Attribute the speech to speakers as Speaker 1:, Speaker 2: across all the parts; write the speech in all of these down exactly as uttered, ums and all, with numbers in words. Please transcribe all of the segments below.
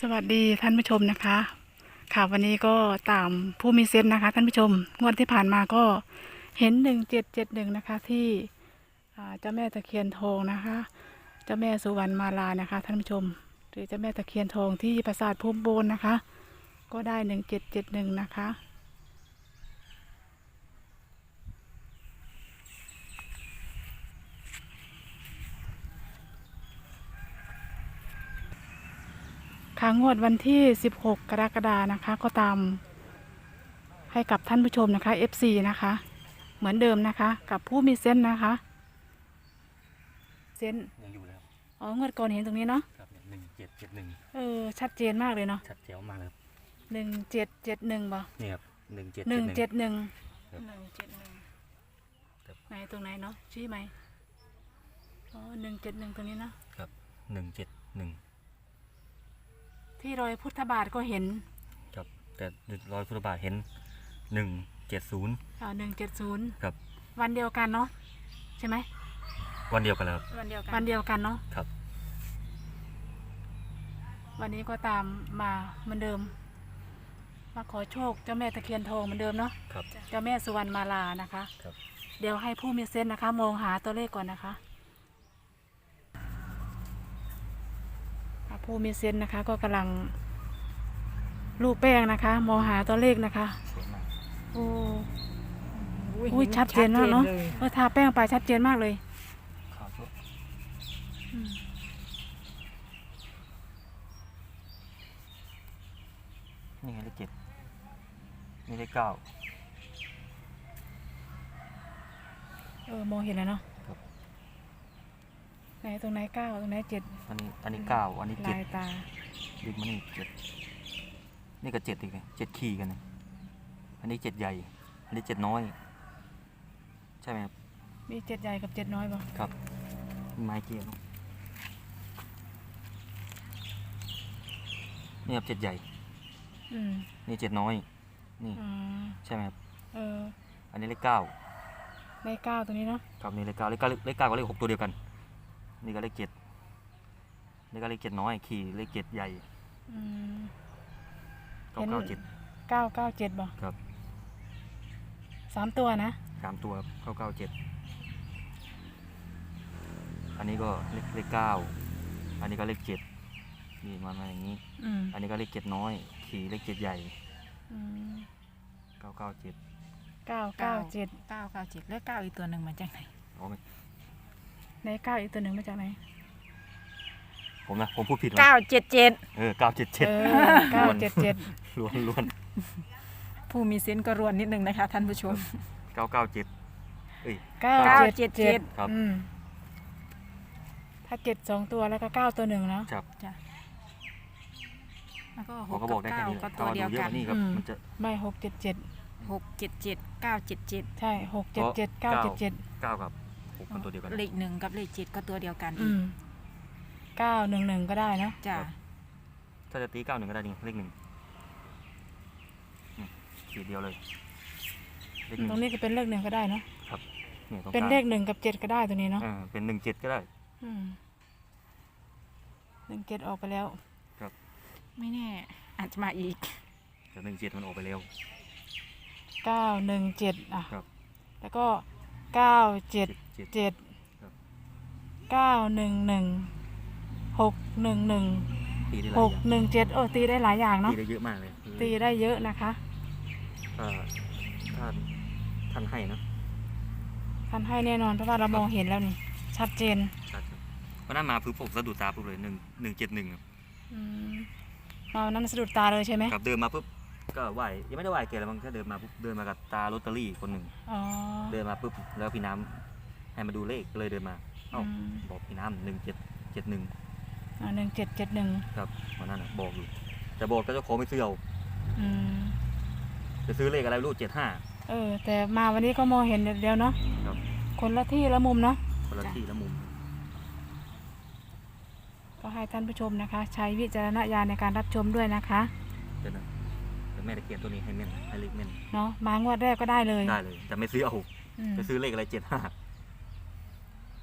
Speaker 1: สวัสดีท่านผู้ชมนะคะค่ะวันนี้ก็ตามผู้มีเซนต์นะคะท่านผู้ชมงวดที่ผ่านมาก็เห็นหนึ่งเจ็ดเจ็ดหนึ่งนะคะที่เจ้าแม่ตะเคียนทองนะคะเจ้าแม่สุวรรณมาลานะคะท่านผู้ชมหรือเจ้าแม่ตะเคียนทองที่ปราสาทภูมิโบนนะคะก็ได้หนึ่งเจ็ดเจ็ดหนึ่งนะคะค่ะงวดวันที่สิบหกกรกฎานะคะก็ตามให้กับท่านผู้ชมนะคะ เอฟ ซี นะคะเหมือนเดิมนะคะกับผู้มีเซนต์นะคะเซนต์
Speaker 2: ยังอยู่เลยครับ
Speaker 1: อ๋องวดก่อนเห็นตรงนี้เนาะ
Speaker 2: ครับหนึ่งเจ็ดเจ็ดหนึ่ง
Speaker 1: เออชัดเจนมากเลยเนาะ
Speaker 2: ชัดเจ๋วมากเลยครับ
Speaker 1: หนึ่งเจ็ดเจ็ดหนึ่งบ่
Speaker 2: นี่ครับหนึ่งเจ็ด
Speaker 1: หนึ่งเจ็ดหนึ่ง
Speaker 2: ห
Speaker 1: นึ่งเจ็ดหนึ่งไหนตรงไหนเนาะชี้ไหมอ๋อหนึ่งเจ็ดหนึ่งตรงนี้นะครับ
Speaker 2: หนึ่งเจ็ดหนึ่ง
Speaker 1: ที่รอยพุทธบาทก็เห็น
Speaker 2: ครับแต่รอยพุทธบาทเห็นหนึ่งเจ็ดศูนย์
Speaker 1: อ่าหนึ่งเจ็ดศูนย์
Speaker 2: ครับ
Speaker 1: วันเดียวกันเนาะใช่ไหม
Speaker 2: วันเดียวกันแล้ว
Speaker 1: วันเดียวกันวันเดียวกันเนาะ
Speaker 2: ครับ
Speaker 1: วันนี้ก็ตามมาเหมือนเดิมมาขอโชคเจ้าแม่ตะเคียนทองเหมือนเดิมเนาะ
Speaker 2: ครับ
Speaker 1: เจ้าแม่สุวรรณมาลานะคะ
Speaker 2: ครับ
Speaker 1: เดี๋ยวให้ผู้มีเซนต์นะคะมองหาตัวเลขก่อนนะคะผู้มีเซนต์นะคะก็กำลังลูบแป้งนะคะมองหาตัวเลขนะคะโอ้อุ้ยชัดเจนมากเนาะเออทาแป้งไปชัดเจนมากเลย
Speaker 2: นี่ไงเลขเจ็ดนี่เลขเก้า
Speaker 1: เออมองเห็นแล้วเนาะไหนตรงไหนเก้าตรงไหนเจ็ด
Speaker 2: อันนี้อันนี้เก้าอันนี้เจ็ด
Speaker 1: ลายตา
Speaker 2: ดึงมานี่เจ็ดนี่ก็เจ็ดอีกเลยเจ็ดขีกันนะอันนี้เจ็ดใหญ่อันนี้เจ็ดน้อยใช่ไหมครับ
Speaker 1: มีเจ็ดใหญ่กับเจ็ดน้อยป่ะ
Speaker 2: ครับไม้เกี่ยวนี่ครับเจ็ดใหญ่นี่เจ็ดน้อยนี่ใช่ไหมครับ
Speaker 1: เออ
Speaker 2: อันนี้เลขเก้า
Speaker 1: เลขเก้าตัวนี้เนาะ
Speaker 2: ครับนี่เลขเก้าเลขเก้าเลขเก้ากับเลขหกตัวเดียวกันนี่ก็เลขเจ็ดนี่ก็เลขเจ็ดน้อยขี่เลขเจ็ดใหญ่เก้าเก้าเจ็ด
Speaker 1: เก้าเก้าเจ็ดบ่
Speaker 2: ครับ
Speaker 1: สามตัวนะ
Speaker 2: สามตัวเก้าเก้าเจ็ดอันนี้ก็เลขเลขเก้าอันนี้ก็เลขเจ็ดนี่มามาอย่างนี้อันนี้ก็เลขเจ็ดน้อยขี่เลขเจ็ดใหญ่เก้าเก้าเจ็ด
Speaker 1: เก้าเก้าเจ็ด
Speaker 3: เก้าเก้าเจ็ดเลขเก้าอีกตัวหนึ่งมาจากไหน
Speaker 2: อ๋อไม่
Speaker 1: ในเก้าอีกตัวหนึ่งมาจากไหน
Speaker 2: ผมนะผมพูดผิด
Speaker 3: เก้าเจ็ดเจ็ด
Speaker 2: เออเก้าเจ็ดเจ็ด
Speaker 1: เก้าเจ็ดเจ็ด
Speaker 2: ล้วนล้วน
Speaker 3: ผู้มีเซนส์ก็รวนนิดนึงนะคะท่านผู้ชม
Speaker 2: เก้าเก้าเจ็ดเอ้ย
Speaker 1: เก้าเจ็ดเจ็ด
Speaker 2: ครับ
Speaker 1: ถ้าเจ็ดสองตัวแล้วก็เก้าตัวหนึ่งแล้ว
Speaker 2: ครับ
Speaker 3: จ้ะแล้วก็หก
Speaker 2: กับเก้า
Speaker 3: ก็ตัวเดียวกัน
Speaker 2: นี่ครับมันจะ
Speaker 1: ไม่หกเจ็ดเจ็ด
Speaker 3: หกเจ็ดเจ็ดเก้าเจ็ดเจ็ด
Speaker 1: ใช่หกเจ็ดเจ็ดเก้าเจ็ดเจ็ด
Speaker 2: เก้ากับหกเป็นตัวเดียวกัน
Speaker 3: เลขหนึ่งกับเลขเจ็ดก็ตัวเดียวกัน
Speaker 1: อืมเก้าหนึ่งหนึ่งก็ได้นะ
Speaker 3: จ้ะ
Speaker 2: ถ้าจะตีเก้าหนึ่งก็ได้นี่เลขหนึ่งขีดเดียวเลย
Speaker 1: ตรงนี้ก็เป็นเลขหนึ่งก็ได้เนาะ
Speaker 2: ครับ
Speaker 1: เป็นเลขหนึ่งกับเจ็ดก็ได้ตัวนี้เนาะ
Speaker 2: เป็นหนึ่งเจ็ดก็ได้
Speaker 1: หนึ่งเจ็ดออกไปแล้ว
Speaker 2: ครับ
Speaker 3: ไม่แน่อาจจะมาอีก
Speaker 2: แต่หนึ่งเจ็ดมันออกไปแล้ว
Speaker 1: เก้าหนึ่งเจ็ดอ่ะแล้วก็เก้าเจ็ดเจ็ดเก้าหนึ่งหนึ่งหกหนึ่งหนึ่งหกหนึ่งเจ็ดโอ้ตีได้หลายอย่างเนาะ
Speaker 2: ตีได้เยอะมากเลย
Speaker 1: ตีได้เยอะนะคะ
Speaker 2: ท่านท่านให้นะ
Speaker 1: ท่านให้แน่นอนเพราะว่าเรามองเห็นแล้วนี่ชัดเจน
Speaker 2: ชัดเพราะนั้นมาปุ๊บผมสะดุดตาปุ๊บเลยหนึ่งหนึ่งเจ็ดหนึ่ง
Speaker 1: มาวันนั้นสะดุดตาเลยใช่ไหม
Speaker 2: ครับเดินมาปุ๊บก็ไหวยังไม่ได้ไหวเกลแล้วมันแค่เดินมาปุ๊บเดินมากับตาลอตเตอรี่คนหนึ่งเดินมาปุ๊บแล้วพี่น้ำให้มาดูเลขเลยเดินมาเอ้าบอกพี่น้ำหนึ่งเจ็ดเจ็ดหนึ่ง
Speaker 1: อ่าหนึ่งเจ็ดเจ็ดหนึ่ง
Speaker 2: ครับวันนั้นบอกอยู่แต่บอกก็จะขอไม่ซื้อเอาจะซื้อเลขอะไรรู้เจ็ดห้า
Speaker 1: เออแต่มาวันนี้ก็มองเห็นเดียวเนาะคนละที่ละมุมเนาะ
Speaker 2: คนละที่ละมุม
Speaker 1: ก็ให้ท่านผู้ชมนะคะใช้วิจารณญาณในการรับชมด้วยนะคะ
Speaker 2: เดี๋ยวนะเดี๋ยวแม่จะเขียนตัวนี้ให้เม่นให้เลขเม่น
Speaker 1: เนาะมางวดแรกก็ได้เลย
Speaker 2: ได้เลยแต่ไม่ซื้อเอาจะซื้อเลขอะไรเจ็ดห้า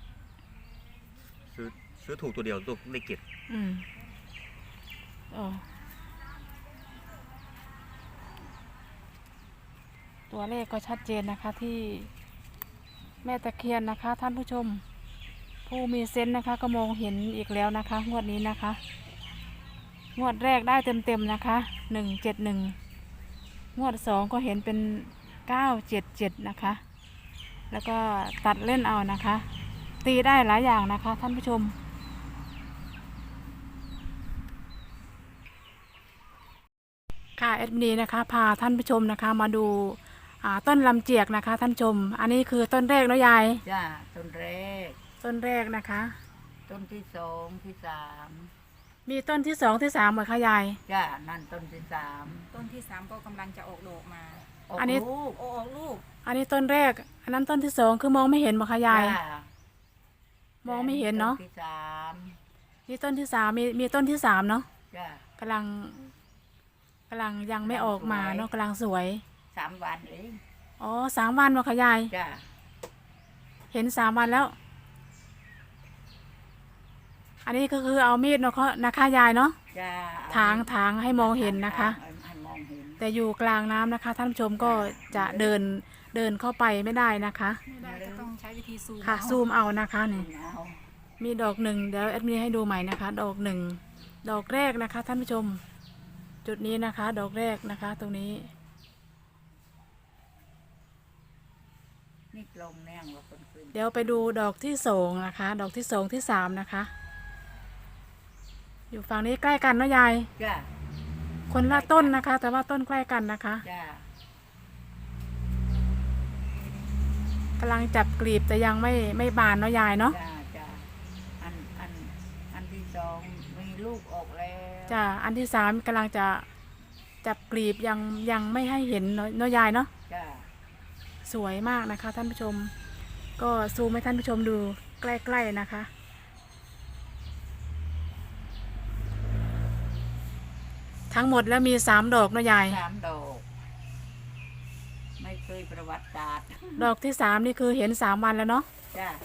Speaker 2: ซื้อซื้อถูกตัวเดียวตัวเลขเจ็ด
Speaker 1: อืมเออตัวเลขก็ชัดเจนนะคะที่แม่ตะเคียนนะคะ ท่านผู้ชม ผู้มีเซนส์นะคะก็มองเห็นอีกแล้วนะคะงวดนี้นะคะงวดแรกได้เต็มๆนะคะหนึ่งเจ็ดหนึ่งงวดสองก็เห็นเป็นเก้าเจ็ดเจ็ดนะคะ แล้วก็ตัดเล่นเอานะคะ ตีได้หลายอย่างนะคะ ท่านผู้ชมค่ะเอ็ดมินนะคะพาท่านผู้ชมนะคะมาดูต้นลำเจียกนะคะ ท่านผู้ชม อันนี้คือต้นแรกเนาะยาย
Speaker 4: จ้าต้นแรก
Speaker 1: ต้นแรกนะคะ
Speaker 4: ต้นที่สองที่สาม
Speaker 1: มีต้นที่สองที่สามเหมือนค่ะยาย
Speaker 4: จ้านั่นต้นที่สาม
Speaker 3: ต้นที่สามก็กำลังจะออกดอกมา
Speaker 4: ออก
Speaker 1: อันนี้
Speaker 4: ลูก
Speaker 3: โอ้ออกลูก
Speaker 1: อันนี้ต้นแรก อันนั้นต้นที่สองคือมองไม่เห็นเหมือนค่ะยาย
Speaker 4: จ้าม
Speaker 1: องไม่เห็นเนาะ
Speaker 4: ต้นที่สาม
Speaker 1: นี่ต้นที่สามมีมีต้นที่สามเนาะ
Speaker 4: จ้าก
Speaker 1: ำลังกำลังยังไม่ออกมาเนาะกำลังสวย
Speaker 4: สามวันเอง
Speaker 1: อ๋อสามวันเหรอคะยาย
Speaker 4: จ้า
Speaker 1: เห็นสามวันแล้ว อันนี้ก็คือเอามีดเนาะเขานะคะยายเนาะ
Speaker 4: จ้า
Speaker 1: ถางถางให้มองเห็นนะคะ
Speaker 4: ให้ให้มองเห็น
Speaker 1: แต่อยู่กลางน้ำนะคะ ท่านผู้ชมก็จะเดินเดินเข้าไปไม่ได้นะคะ
Speaker 3: ไม่ได้ก็ต้องใช้วิธีซูม
Speaker 1: ค่ะ
Speaker 3: เอา
Speaker 1: ซูมเอานะคะนี่
Speaker 4: เอา
Speaker 1: มีดอกหนึ่งเดี๋ยวแอดมินให้ดูใหม่นะคะ ดอกหนึ่งดอกแรกนะคะ ท่านผู้ชม จุดนี้นะคะ ดอกแรกนะคะ ตรงนี้
Speaker 4: นี่กลงแนงว่าคนขึ้น
Speaker 1: เดี๋ยวไปดูดอกที่สองนะคะ ดอกที่สองที่สามนะคะ อยู่ฝั่งนี้ใกล้กันเนาะยาย
Speaker 4: จ้า
Speaker 1: คนละต้นนะคะ แต่ว่าต้นใกล้กันนะคะ
Speaker 4: จ้าก
Speaker 1: ำลังจับกลีบแต่ยังไม่ไม่บานเนาะยายเนาะ
Speaker 4: จ้าจ้าอันอันอันที่สองมีลูกออกแล้ว
Speaker 1: จ้ะอันที่สามกำลังจะจับกลีบยังยังไม่ให้เห็นเนาะเนาะยายเนาะ
Speaker 4: จ้า
Speaker 1: สวยมากนะคะ ท่านผู้ชม ก็ซูมให้ท่านผู้ชมดูใกล้ๆนะคะ ทั้งหมดแล้วมีสามดอกเนาะยาย
Speaker 4: สามดอกไม่เคยประวัติศาสตร์
Speaker 1: ดอกที่สามนี่คือเห็นสามวันแล้วเนาะ
Speaker 4: จ้า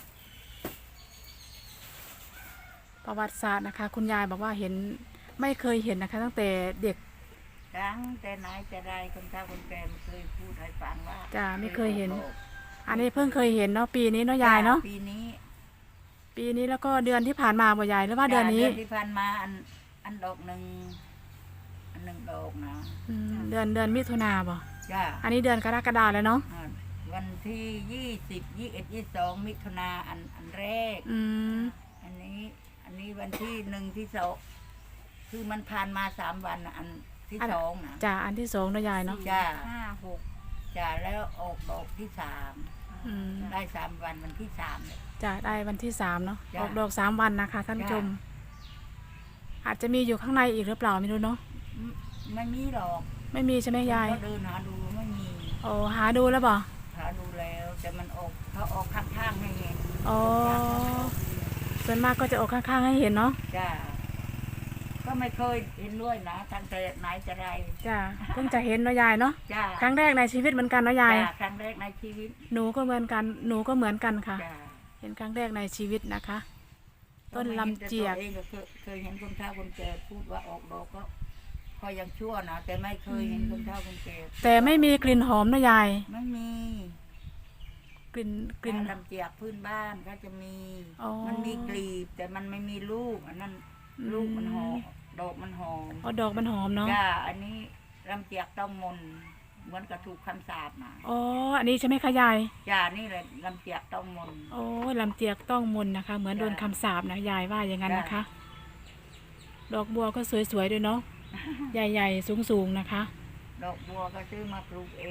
Speaker 1: ประวัติศาสตร์นะคะ คุณยายบอกว่าเห็นไม่เคยเห็นนะคะ ตั้งแต่เด็ก
Speaker 4: ครั้งแต่ไหนแต่ไรคนเฒ่าคนแก่ไม่เคยพูดให้ฟังว่า
Speaker 1: จ้ะไม่เคยเห็น
Speaker 4: ออก
Speaker 1: อันนี้เพิ่งเคยเห็นเนาะปีนี้เนาะยายเนาะ
Speaker 4: ปีนี้
Speaker 1: ปีนี้แล้วก็เดือนที่ผ่านมาบ่ยายหรือว่าเดือนนี้
Speaker 4: เดือนที่ผ่านมาอันอันดอกหนึ่งอันหนึ่งดอกนะ
Speaker 1: อืมเดือนเดือนมิถุนาบ่
Speaker 4: จ้า
Speaker 1: อันนี้เดือนกรกฎาแล้วเนาะ
Speaker 4: อ่าวันที่ยี่สิบยี่เอ็ดยี่สองมิถุนาอันอันแรก
Speaker 1: อืม
Speaker 4: อันนี้อันนี้วันที่หนึ่งที่สองคือมันผ่านมาสามวันน่ะอันที่สองนะ
Speaker 1: จ้ะอันที่สองเนาะยายเนาะ
Speaker 4: จ้า
Speaker 3: ห้าหก
Speaker 4: จ้าแล้วออกดอกที่สาม
Speaker 1: อืม
Speaker 4: ได้สามวันวันที่สามเนี่ย
Speaker 1: จะได้วันที่สามเนาะ
Speaker 4: จ้ะ
Speaker 1: ออกดอกสามวันนะคะ ท่านผู้ชม อาจจะมีอยู่ข้างในอีกหรือเปล่าไม่รู้เนาะ
Speaker 4: ไม่ไม่มีหรอก
Speaker 1: ไม่มีใช่ไหมยาย
Speaker 4: เขาเดินหาดูไม่มี
Speaker 1: โอ้หาดูแล้วบ่
Speaker 4: หาดูแล้วแต่มันออกเขาออกข้างๆให้เห็น
Speaker 1: อ๋อส่วนมากก็จะออกข้างๆให้เห็นเนาะ
Speaker 4: จ้าก็ไม่เคยเห็นด้วยนะทางแต่ไหนจะไร
Speaker 1: จ้ะเพิ่งจะเห็นเนาะยายเนาะ
Speaker 4: จ้า
Speaker 1: ครั้งแรกในชีวิตเหมือนกันเนาะยาย
Speaker 4: จ้าครั้งแรกในชีวิต
Speaker 1: หนูก็เหมือนกัน หนูก็เหมือนกันค่ะ
Speaker 4: จ้า
Speaker 1: เห็นครั้งแรกในชีวิตนะคะ ต้นลำเจียก
Speaker 4: เองก็เคยเคยเห็นคนเฒ่าคนแก่พูดว่าออกดอกก็พอยังชั่วนะแต่ไม่เคยเห็นคนเฒ่าคนแก่
Speaker 1: แต่ไม่มีกลิ่นหอมเนาะยาย
Speaker 4: ไม่มี
Speaker 1: กลิ่นกลิ่น
Speaker 4: ลำเจียกพื้นบ้านก็จะมี
Speaker 1: อ๋อ
Speaker 4: มันมีกลีบ แต่มันไม่มีลูกอันนั้น
Speaker 1: อืม
Speaker 4: ลูกมันหอมดอกมันหอม
Speaker 1: อ๋อดอกมันหอมเนาะ
Speaker 4: จ้าอันนี้ลำเจียกต้องมนต์เหมือนกับถูกคำสาปมา
Speaker 1: อ๋ออันนี้ใช่ไหมคะยาย
Speaker 4: จ้านี่เลยลำเจียกต้องมนต์
Speaker 1: โอ้ยลำเจียกต้องมนต์นะคะ เหมือน
Speaker 4: จ้ะ
Speaker 1: โดนคำสาปนะยายว่าอย่างนั้น
Speaker 4: จ้ะ
Speaker 1: นะคะ ดอกบัวก็สวยๆด้วยเนาะ ใหญ่ๆสูงๆนะคะ
Speaker 4: ดอกบัวก็ซื้อมาปลูกเอง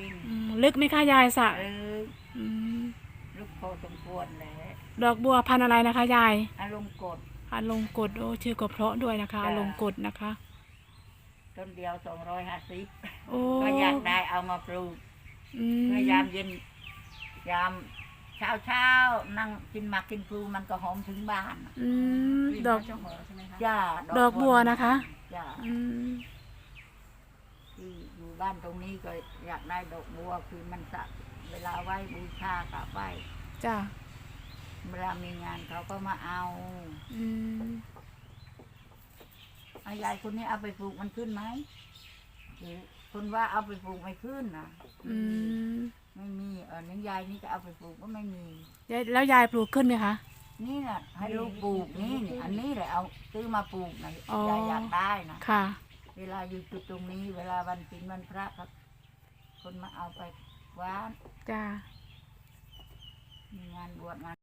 Speaker 1: อืมลึกไหมคะยายสระ
Speaker 4: เออ
Speaker 1: อืม
Speaker 4: ลูกพอสมควรแหละ
Speaker 1: ดอกบัวพันธุ์อะไรนะคะยาย
Speaker 4: อารมณ์กด
Speaker 1: อาลงกฎโอ้ชื่อก็เพราะด้วยนะคะ
Speaker 4: จ้ะ
Speaker 1: อาลงกฎนะคะ
Speaker 4: ต้นเดียวสองร้อยห้าสิบ
Speaker 1: โอ้
Speaker 4: ก็อยากได้เอามาปลูก
Speaker 1: อืม
Speaker 4: เพื่อยามเย็น ยามเช้าเช้าๆนั่งกินหมากกินพลูมันก็หอมถึงบ้าน
Speaker 1: อืมดอก
Speaker 3: เจ้าหอใช่ไหมคะ
Speaker 4: จ้า
Speaker 1: ดอกบัวนะคะ
Speaker 4: จ้า
Speaker 1: อืม
Speaker 4: ที่อยู่บ้านตรงนี้ก็อยากได้ดอกบัวคือมันสะเวลาไหว้บูชากับไหว้
Speaker 1: จ้ะ
Speaker 4: เวลามีงานเขาก็มาเอา
Speaker 1: อืม
Speaker 4: เอายายคนนี้เอาไปปลูกมันขึ้นไหมหรือคนว่าเอาไปปลูกไม่ขึ้นนะ
Speaker 1: อืม
Speaker 4: อน้ายายนี่ก็เอาไปปลูกก็ไม่มี
Speaker 1: ยายแล้วยายปลูกขึ้นไหมคะ
Speaker 4: นี่แหละให้ลูกปลูกนี่นี่อันนี้แหละเอาซื้อมาปลูกนะ
Speaker 1: อ๋อ
Speaker 4: ยายอยากได้นะ
Speaker 1: ค่ะ
Speaker 4: เวลาอยู่จุดตรงนี้ เวลาวันศีลวันพระครับคนมาเอาไปวาน
Speaker 1: จ้า
Speaker 4: มีงานบวชงาน